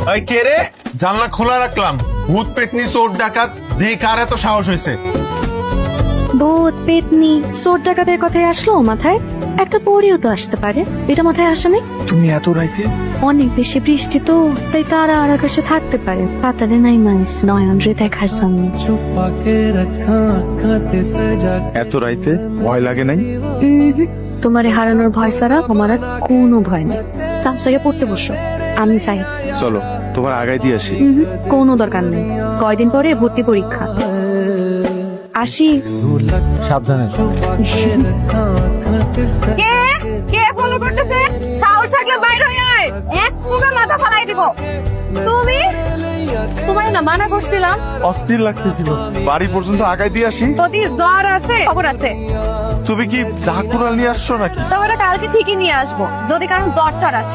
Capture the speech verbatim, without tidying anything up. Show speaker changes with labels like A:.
A: ওই কে রে? জানলা খোলা রাখলাম, ভূত পেতনি চোর ডাকাত দেখি কার এত সাহস হয়েছে।
B: ভূত পেতনি চোর ডাকাতের কথাই আসলো মাথায়? একটা পরেও তো আসতে পারে, এটা মাথায় আসে নাই?
A: তুমি এত রাইতে?
B: অনেক বেশি বৃষ্টি তো, তাই তারা আর আকাশে থাকতে পারে, পাতালে নাই মানুষ নয়ন রে দেখার সামনে।
A: এত রাইতে ভয় লাগে নাই?
B: তোমারে হারানোর ভয় ছাড়া আমার আর কোনো ভয় নেই। চামচাকে পড়তে বসো, আমি চাই।
A: চলো তোমার আগায় দিয়ে আসি।
B: উম হুম, কোনো দরকার নেই, কয়দিন পরে ভর্তি পরীক্ষা। আসি।
A: সাবধানে।
C: কে কে ফলো করতেছে? সাহস থাকলে বাইরে হয়ে আয়, এক চুমে মাথা ফালাই দিব। তুমি তোমার না মানা করছিলাম।
A: অস্থির লাগতেছিল, বাড়ি পর্যন্ত আগায় দিয়ে আসি।
C: যদি জ্বর আছে খবর আছে,
A: তুমি কি ঢাকুরাল নিয়ে আসছো নাকি?
C: তবে কালকে ঠিকই নিয়ে আসবো যদি কারণ জ্বর টর আসে।